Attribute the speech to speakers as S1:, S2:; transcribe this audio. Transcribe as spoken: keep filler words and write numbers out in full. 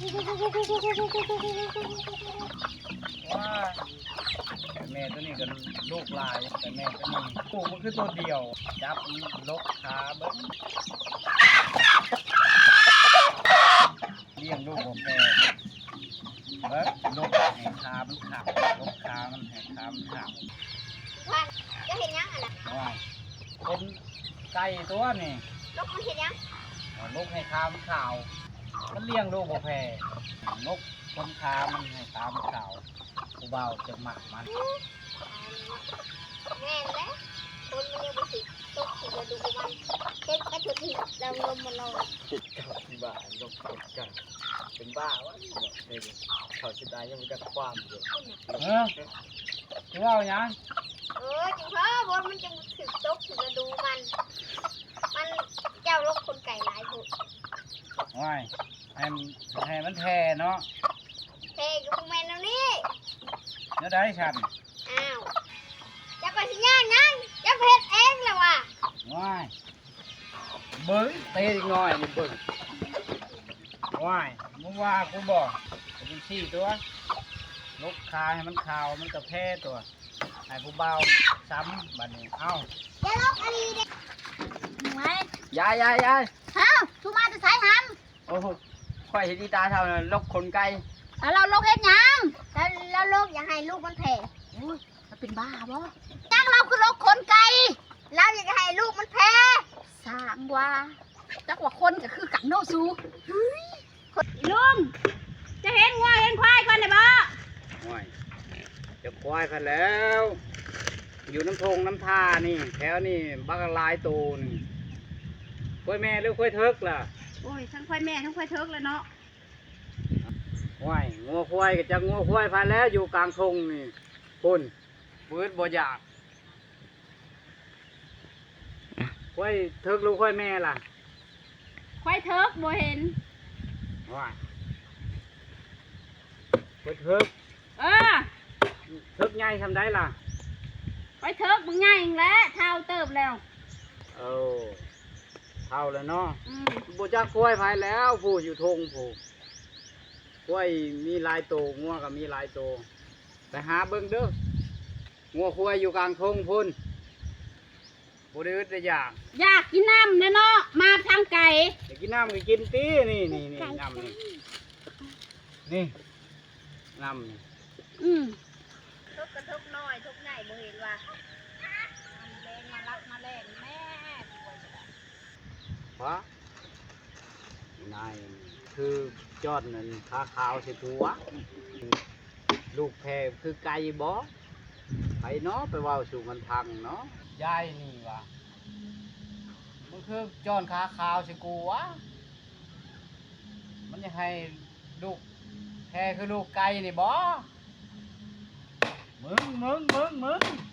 S1: ว่าแต่แม่ตัวนี้ก็ลูกลายแต่แม่ตัวนี้ลูกมันคือตัวเดียวจับลกขาเบิ้งเลี้ยงลูกของแม่เบิ้งลูกแห่ขามันขาดลกขามันแห่ขามันขาด
S2: วันจะเห็นยังอ่ะนะ
S1: ว่าเป็นไก่ตัวนี่
S2: ลูกมันเห็นยัง
S1: ลูกให้ขามันขาวมันเลี้ยงลูกบ่แพ้นกคนขามันให้ขามันขาวผู้เบาจะหมักมัน
S2: แม่นแล้วคนมันยังไม่สิตกสิจะดูมันเช็ดกระถุกที่เราลมมันลง
S3: คิดกับที่บ้านลงกดกันเป็นบ้าวะเนี่ยเขาจะได้ยังมีการความอยู่
S1: เออคือว่าอย่าง
S2: เออจังเพราะบนมันจะถึกตกถึกจะดูมัน มันเจ้าลกคนไก่หลายบุ
S1: ว่ายให้ให้มันแท้เนาะ
S2: เทกับพวกแม่แล้วนี่
S1: แล้วได้ฉัน
S2: อ้าวจะไปสิย่างยังจะเพ็ดเองแล้วว่ะ
S1: ว่ายเบิ้งเตะอีกหน่อยนี่เบิ้งว่ายมึงว่ากูบอกเป็นสี่ตัวลูกคาให้มันขาวมันกระแพ้ตัวให้ผู้เบาซ้ำบัดนี้เอ้า
S2: จะลกอะไรเด็กไง
S3: ยายยายยาย
S2: เอ้าทุมาจะใช้ห
S3: โอ้โหค่อยเห็นดีตาเท่านั้นลกคนไกล
S2: ำแล้วเราลกเฮ็ดยังแล้วแล้วลกอย่าให้ลูกมันแผ่อุ้ยมันเป็นบ้าบ่จ้างเราคือลกคนไก่เราอยากให้ลูกมันแผ่สามว่าจักว่าคนก็คือกันโนซูลุงจะเห็นงัวเห็นควายกันได้บ่
S1: ว่ายจะควายกันแล้ว อยู่น้ำทงน้ำท่านี่แถวนี่บักลายตูนี่ควายแม่หรือควายเทิกล่ะ
S2: โอ้ยทั้งควายแม่ทั้งควายเทิกเลยเนาะ
S1: ว่ายงัวควายก็จะงัวควายพาแล้วอยู่กลางทงนี่คุณปืดบ่อยากควายเทิกหรือควายแม่ล่ะ
S2: ควายเทิกบ่เห็น
S1: ว่ายควายเทิก
S2: เออ
S1: เทิกใหญ่ทำได้ล่ะ
S2: ควายเทิกมึงใหญ่แล้วเท่าเติบแล้ว
S1: เออเท่าแล้วเนาะ
S2: อืม
S1: บ่จักควายพายแล้วผู้อยู่ทงผู้ควายมีหลายโตวงัวก็มีหลายโตวไปหาเบิ่งเด้องัวควายอยู่กลางทงพุ่นบ่ได้อึดได้อยาก
S2: อยากกินน้ำเนาะเนาะมาทางไก่
S1: อยากกินน้ำก็กินตีนี่นี่นี่น้ำนี่นี่น้ำนี่
S2: อืมทุกกระทุกน้อยทุกใหญ่บ่เห็นว่าแรงมารักมาแรงแม่
S1: เพราะนายคือจอดนั่นขาขาวสิผัวลูกแพรคือไก่บ่ไปเนาะไปเว้าสู่มันพังเนาะยายนี่วะมันคือจอนขาขาวสิกูวะมันจะให้ลูกแพรคือลูกไก่นี่บ่มึงมึงมึงมึง